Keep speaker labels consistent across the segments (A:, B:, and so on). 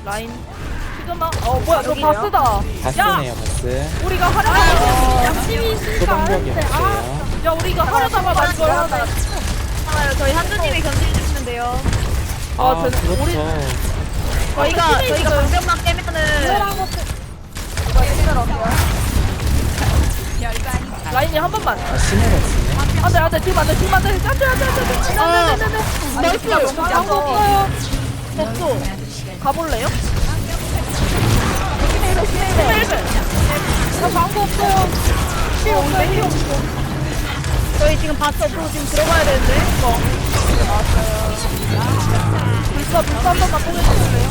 A: 라인 시그마 뭐야 저 바스다.
B: 바스네요 바스.
A: 우리가 하려다가
C: 양심이
B: 소방벽이 없어요.
A: 야 우리가 하려다가 이걸 하다.
C: 저희 한두님이 견제해주시면 돼요.
B: 그렇죠.
C: 저희가 방벽만 깨면은
A: 라인이 한 번만.
B: 시내가 있네.
A: 안돼 지금 안돼 안돼. 나이스. 방법 없어요. 됐어. 가볼래요? 나 방법 없어요. 필요 없어.
C: 저희 지금 봤어. 또 지금 들어가야 되는데.
A: 불사 한 번만 보내주실래요?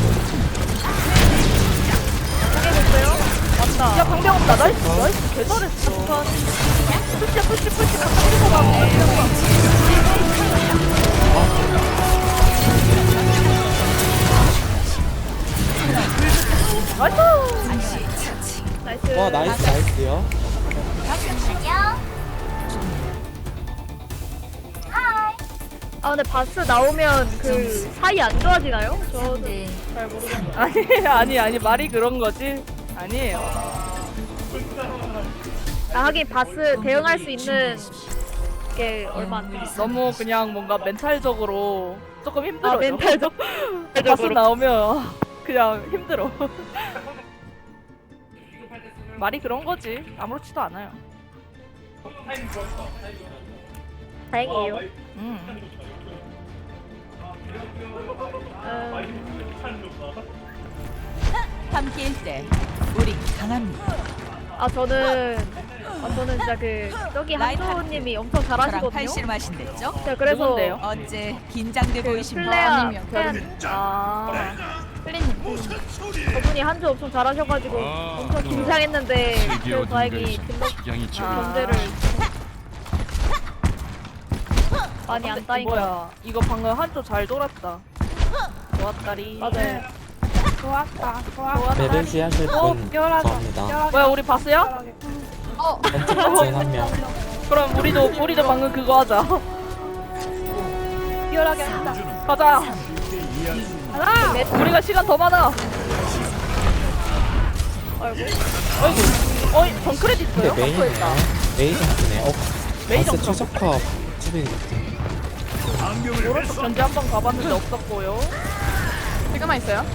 C: 포기해줬어요? 맞다.
A: 야 방병 없다. 나이스 개 잘했어. 푸시 가까이서 가.
C: 나이스.
B: 와 나이스요.
C: 근데 바스 나오면 그 사이 안 좋아지나요? 저는 잘 모르겠어요.
A: 아니 말이 그런 거지. 아니에요.
C: 하긴 바스 대응할 수 있는 게 얼마 안 돼.
A: 너무 그냥 뭔가 멘탈적으로 조금 힘들어요.
C: 멘탈적.
A: 바스 나오면 그냥 힘들어. 말이 그런 거지. 아무렇지도 않아요.
C: 다행이에요.
D: 함께일 때 우리 강합니다.
C: 저는 진짜 저기 한조님이 엄청
D: 저랑
C: 잘하시거든요.
D: 팔씨름하신댔죠?
C: 제가 그래서
A: 누군데요?
D: 어째 긴장돼 보이십니다.
C: 저분이 한조 엄청 잘하셔가지고 엄청 긴장했는데 그래서 다행히 견제를 많이 안 따인 거.
A: 뭐야? 이거 방금 한조 잘 돌았다. 좋았다리.
C: 맞아요.
A: 좋았다.
B: 메르시 하실 분 구합니다.
A: 뭐야 우리 바스야?
B: 왼쪽 같은 한 명.
A: 그럼 우리도 방금 그거 하자.
C: 뛰어나게 한다.
A: 가자. 우리가 시간 더 많아. 어이 정크레딧
B: 근데
A: 있어요?
B: 메인이네요. 메인 정크네.
A: 메인
B: 바스
A: 정크.
B: 최적화 수비 같은.
A: 오른쪽 견제 한번 가봤는데 없었고요.
C: 지금만 있어요?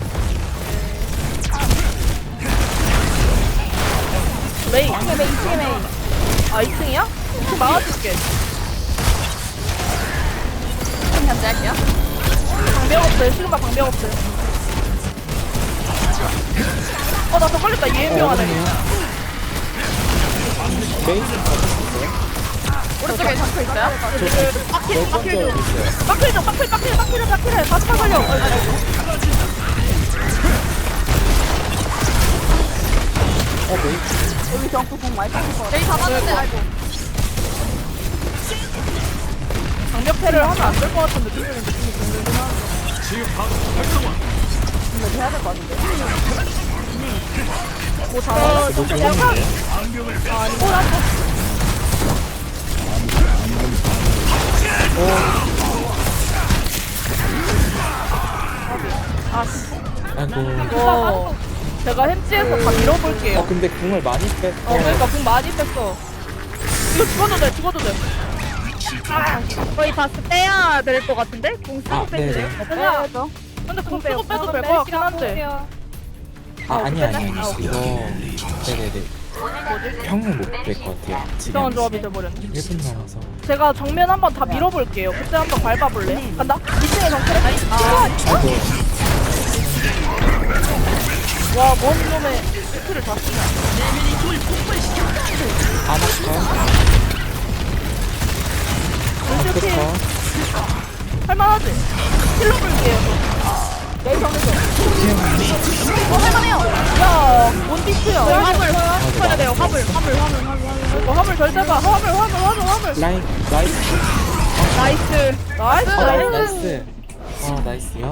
A: 메인. 2층에 메인. 아 2층이야? 2층 막아줄게.
C: 견제할게요.
A: 방벽 없어요. 시그마 방벽 없어요. 나 더 걸렸다. 예명하네.
B: 메인 좀 봐주셨어요?
C: 오른쪽에 잡혀 있어요?
B: 널 있어요.
A: 빡필해. 다시 살려.
B: 메인.
A: 여기 정크 공 많이 빠질 것 같아.
C: 여기 잡았는데 아이고.
A: 방벽패를 하면 안 될 것 같은 느낌이 들긴 하는데. 근데 해야 될 것 같은데. 뭐 잘하.
B: 뭐 좋은데? 아이고.
A: 이거 제가 햄찌에서 다 밀어볼게요.
B: 근데 궁을 많이 뺐어.
A: 그러니까 공 많이 뺐어. 이거 죽어도 돼.
C: 거의 바스 빼야 될 것 같은데? 공 쓰고
B: 네네.
C: 빼주세요.
A: 빼야죠. 근데 공 쓰고 빼도 될 것 같긴 한데.
B: 아니. 이거. 네네네. 평은 못 뺄 것 같아요.
A: 이상한 조합이 돼버렸네.
B: 1분 남아서.
A: 제가 정면 한번 다 밀어볼게요. 그때 한번 밟아볼래? 간다? 2층에 정크래?
B: 아이고.
A: 와, 뭔 놈의 스킬을 다 쓰냐.
B: 아나카.
A: 루시필
B: 아나카.
A: 할만하지? 힐러 볼게요. 내성에서. 할만해요. 야, 뭔 비트야.
C: 화물 쳐야 돼요. 화물.
A: 화물 잘 잡아. 화물.
B: 라인.
C: 나이스.
A: 나이스.
B: 나이스. 나이스요.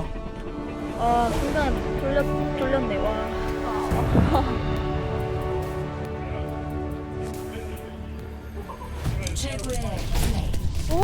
C: 순간 졸렸네. 와.
D: 최고의 플레이.